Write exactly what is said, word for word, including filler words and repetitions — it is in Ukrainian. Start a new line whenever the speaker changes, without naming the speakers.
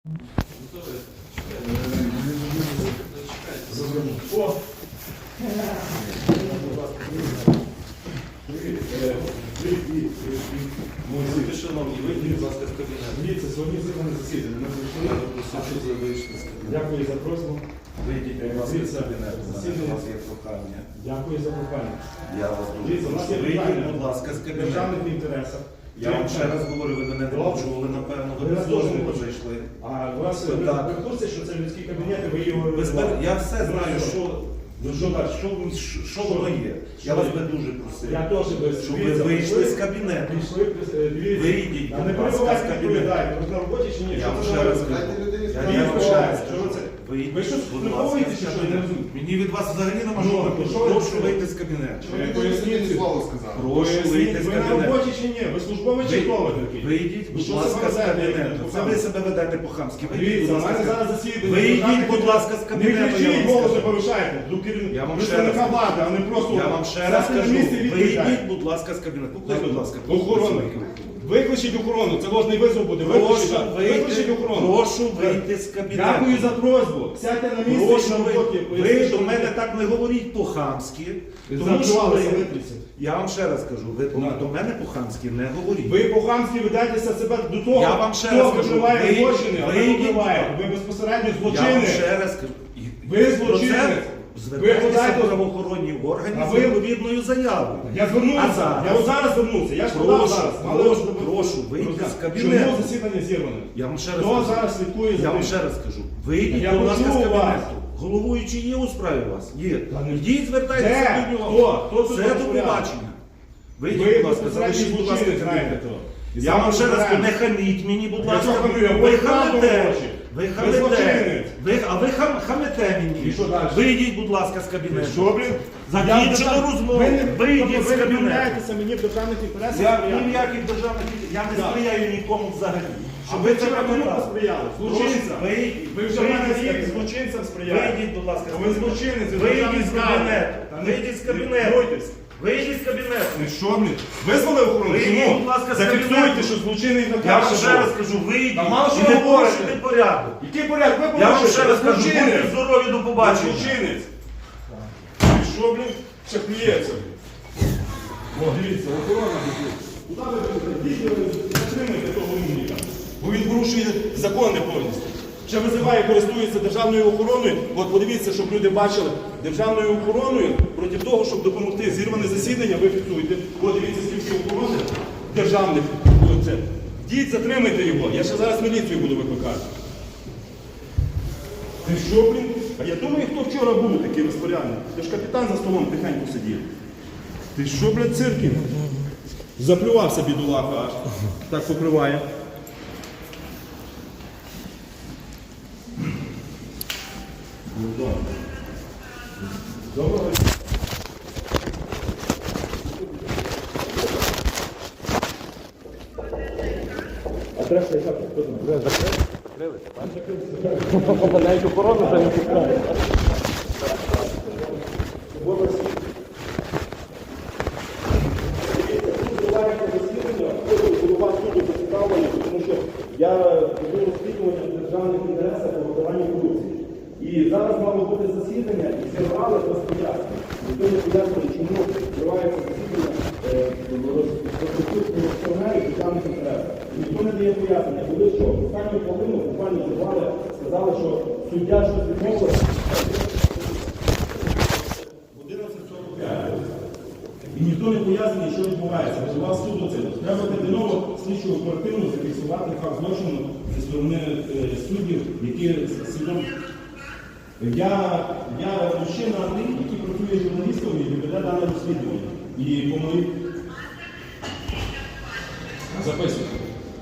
Дивіться, сьогодні зібране засідання. Ми прийшли. Дякую за просьбу.
Вийдіть, будь ласка, з кабінету. У вас є прохання.
Дякую за прохання.
Я вас дуже
Дивіться, у нас є
прошу. Вийдіть,
питання.
будь ласка, з
В
кабінету.
державних інтересах.
Я вам ще раз говорю, ви мене не почули, напевно, ви
Ви
без
нас
дозволу
теж не
зайшли.
А у вас ви
Так.
ви в курсі, що це людські кабінети, ви його...
Ви збер- Я все знаю, що,
Ну що далі?
що, що, що воно є. Я вас би дуже просив,
Я теж без...
щоб ви вийшли з кабінету.
Пішли, е, дивіться.
Вийдіть,
А не
будь ласка, з
перебувайте, не
кабінету.
відповідайте. Ви на роботі чи ні?
Я
Що
вам
це
ще
за
раз
робота?
кажу.
Я
Я
не
вам ще
відповідаю.
раз
Що
кажу.
це?
Вийдіть,
Ви що,
будь
не
ласка,
поводите,
з
чи що? Я не
кабінету.
розумію.
Мені від вас взагалі нема
Ну,
що.
що ви
Прошу
робите?
вийти з кабінету.
Поясніть,
слово сказав.
Прошу вийти з
ви на
кабінету.
роботі чи ні? Ви службовий чи хто ви такий?
Вийдіть,
Ви
будь
що
ласка, з
себе ведете?
кабінету. Це ви себе ведете по-хамськи. Вийдіть,
Дивіться,
будь
у
ласка,
мене
з
зараз
кабінету.
засідання.
Вийдіть, будь ласка, з
Не
кабінету. я
кричіть,
вам
голос не
скажу.
повишайте. До керівника
Я вам ще раз
представника
кажу.
влади, а не просто...
Я вам ще раз
стати на
кажу,
місці і відповідати.
вийдіть, будь ласка, з кабінету. Покличте, будь ласка.
Охорону. Викличіть охорону, це ложний визов буде. Викличіть,
Прошу
викличіть
вийти,
охорону.
прошу вийти з кабінету.
Дякую за просьбу. Сядьте на місце і
Прошу
на
ви,
роботі.
ви
поясніть,
до
що
мене
ви-
так не говоріть по-хамськи. Тому що
Заплювалися,
ви,
витріться.
я вам ще раз кажу, ви до-
На.
до мене по-хамськи не говоріть.
Ви по-хамськи ведетеся себе до того,
Я вам ще
хто
раз кажу,
викриває
ви-
злочини, а ви
вийдіть,
викриваєте. Ви безпосередньо
Я вам
злочинець.
ще раз кажу. і-
Ви
і про це
злочинець.
Звертайтеся
Ви подайте-
в правоохоронні органи
А
з
ви-
відповідною заявою.
Я звернувся.
А зараз?
Я от зараз звернувся. Я ж подав
Прошу,
зараз.
прошу, прошу, вийти з кабінету.
Чому засідання зірване?
Я вам ще раз
Хто
кажу.
зараз слідкує за
Я вам
тим?
ще раз кажу. Вийдіть,
Я
будь ласка, з
почув вас.
кабінету. Головуючий є у справі у вас? Є.
Та не-
Йдіть, звертайтеся
Де?
до нього.
Хто? Хто тут
Це до
розпорядник?
побачення. Вийдіть,
Ви
будь ласка,
безпосередньо
залишіть, будь ласка,
злочинець, знаєте
кабінет.
то. І
Я вам ще раз кажу,
розбираємося.
не хаміть мені, будь
Я
ласка.
що хамлю? Я
Ви
говорю правду
хамите.
в очі.
Ви
Ви
хамите.
злочинець.
Ви, а ви хам, хамите мені.
І що далі?
Вийдіть, будь ласка, з кабінету.
Що, блін?
Закінчили
Я-
розмову.
Ви не-
Вийдіть
тобто
з
ви
кабінету.
відмовляєтеся мені в державних інтересах?
Я
сприяти?
ні в яких державних я не
Так.
сприяю нікому взагалі.
А
Щоб
ви
ви це
вчора кому
пам'ятали.
посприяли? Злочинцям?
Вийдіть.
Ви вже в мене
Вийдіть з
рік
кабінету.
злочинцям сприяли.
Вийдіть, будь ласка. з
Ви
кабінету.
злочинець, ви
Вийдіть
державний
з
зрадник.
кабінету.
Та не-
Вийдіть з
не
кабінету.
бойтесь.
Вийдіть з кабінету.
Ну що, блін? Визвали охорону?
Вийдіть,
Чому?
будь ласка, з
Зафіксуйте,
кабінету.
що злочинний
Я вам
наказ.
ще раз кажу, вийдіть.
Та мало що
і не
ви говорите.
порушуйте порядок.
Який порядок? Ви
Я вам
порушуєте.
ще раз
Ви
кажу,
злочинець.
будьте здорові, до
Ви
побачення.
злочинець. І що, блін? Ще плюється, блін. О, дивіться, охорона, блін. Куди ви будете? Затримайте того умника. Бо він порушує закони повністю. Ще визиває, користується державною охороною. От подивіться, щоб люди бачили, державною охороною проти того, щоб допомогти. Зірване засідання, ви фіксуєте. От дивіться, скільки охорони державних. Оце. Діть, затримайте його. Я ще зараз міліцію буду викликати. Ти що, блін? А я думаю, хто вчора був такий розпорядник. Ти ж капітан за столом тихенько сидів. Ти що, блядь, циркін? Заплювався бідулаха аж. Так покриває. Доброго. Адреса яка? Хто знає?
Навіть охорону вже не пускає.
Тому що я веду розслідування в державних інтересах по виконанню корупції. І зараз мало бути засідання, і зірвали без пояснення. Ніхто не пояснює, чому зривається засідання розпорядження державних інтересах. Ніхто не дає пояснення. Коли що? Останню хвилину буквально зірвали, сказали, що суддя щось відмовив. І ніхто не пояснює, що відбувається. Визивав суду це. Треба терміново слідчу оперативно зафіксувати факт злочину зі сторони е, суддів, які свідомо. Я, я мужчина Андрій, який працює журналістом і веде дане розслідування. І по моїй... Записую.